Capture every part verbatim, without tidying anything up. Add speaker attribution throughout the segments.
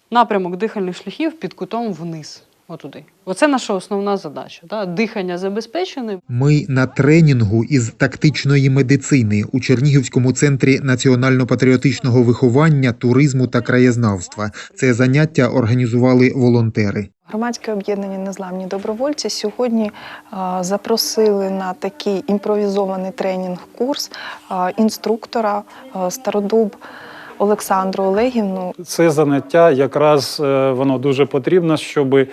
Speaker 1: напрямок дихальних шляхів під кутом вниз. Отуди. Оце наша основна задача. Да? Дихання забезпечене.
Speaker 2: Ми на тренінгу із тактичної медицини у Чернігівському центрі національно-патріотичного виховання, туризму та краєзнавства. Це заняття організували волонтери.
Speaker 3: Громадське об'єднання «Незламні добровольці» сьогодні а, запросили на такий імпровізований тренінг-курс а, інструктора а, Стародуб Олександру Олегівну.
Speaker 4: Це заняття якраз воно дуже потрібно, щоб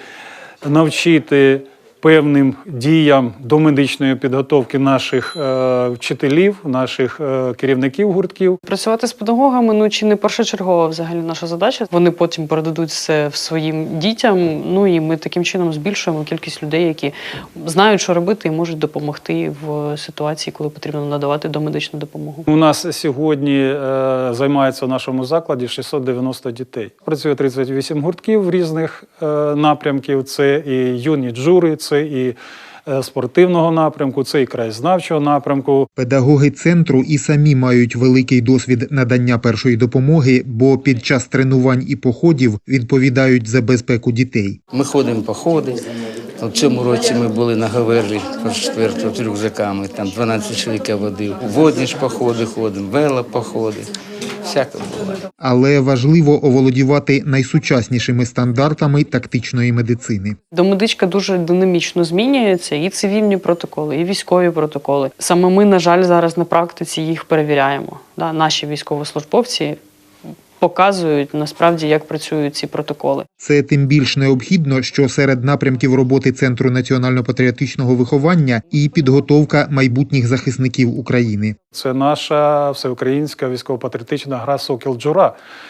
Speaker 4: навчити певним діям до медичної підготовки наших е, вчителів, наших е, керівників гуртків.
Speaker 1: Працювати з педагогами, ну, чи не першочергова взагалі наша задача. Вони потім передадуть все своїм дітям, ну і ми таким чином збільшуємо кількість людей, які знають, що робити і можуть допомогти в ситуації, коли потрібно надавати домедичну допомогу.
Speaker 4: У нас сьогодні е, займається в нашому закладі шістсот дев'яносто дітей. Працює тридцять вісім гуртків різних е, напрямків. Це і юні джури, це і спортивного напрямку, це і краєзнавчого напрямку.
Speaker 2: Педагоги центру і самі мають великий досвід надання першої допомоги, бо під час тренувань і походів відповідають за безпеку дітей.
Speaker 5: Ми ходимо походи. В цьому році ми були на Говерлі четвертого з рюкзаками, там дванадцять чоловік я водив. Водні ж походи ходимо, велопоходи. Всяке було.
Speaker 2: Але важливо оволодівати найсучаснішими стандартами тактичної медицини.
Speaker 1: Домедичка дуже динамічно змінюється, і цивільні протоколи, і військові протоколи. Саме ми, на жаль, зараз на практиці їх перевіряємо. Да, наші військовослужбовці показують, насправді, як працюють ці протоколи.
Speaker 2: Це тим більш необхідно, що серед напрямків роботи Центру національно-патріотичного виховання і підготовка майбутніх захисників України.
Speaker 4: Це наша всеукраїнська військово-патріотична гра «Сокіл-Джура»,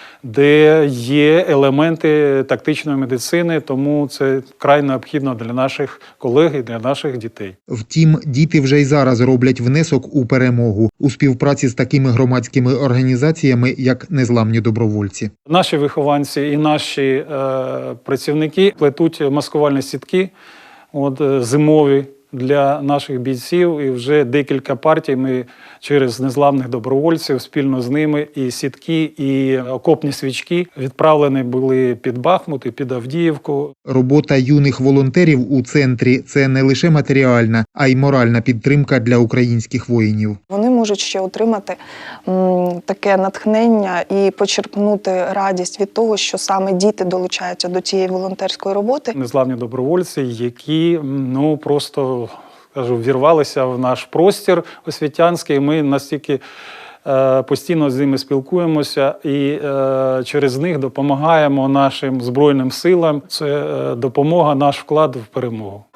Speaker 4: де є елементи тактичної медицини, тому це вкрай необхідно для наших колег і для наших дітей.
Speaker 2: Втім, діти вже й зараз роблять внесок у перемогу у співпраці з такими громадськими організаціями, як «Незламні добровольці».
Speaker 4: Наші вихованці і наші е, працівники плетуть маскувальні сітки от, зимові для наших бійців, і вже декілька партій ми через незламних добровольців спільно з ними і сітки, і окопні свічки відправлені були під Бахмут і під Авдіївку.
Speaker 2: Робота юних волонтерів у центрі – це не лише матеріальна, а й моральна підтримка для українських воїнів.
Speaker 3: Вони можуть ще отримати м, таке натхнення і почерпнути радість від того, що саме діти долучаються до цієї волонтерської роботи.
Speaker 4: Незламні добровольці, які ну просто кажу, вірвалися в наш простір освітянський. Ми настільки е, постійно з ними спілкуємося і е, через них допомагаємо нашим Збройним силам. Це е, допомога, наш вклад в перемогу.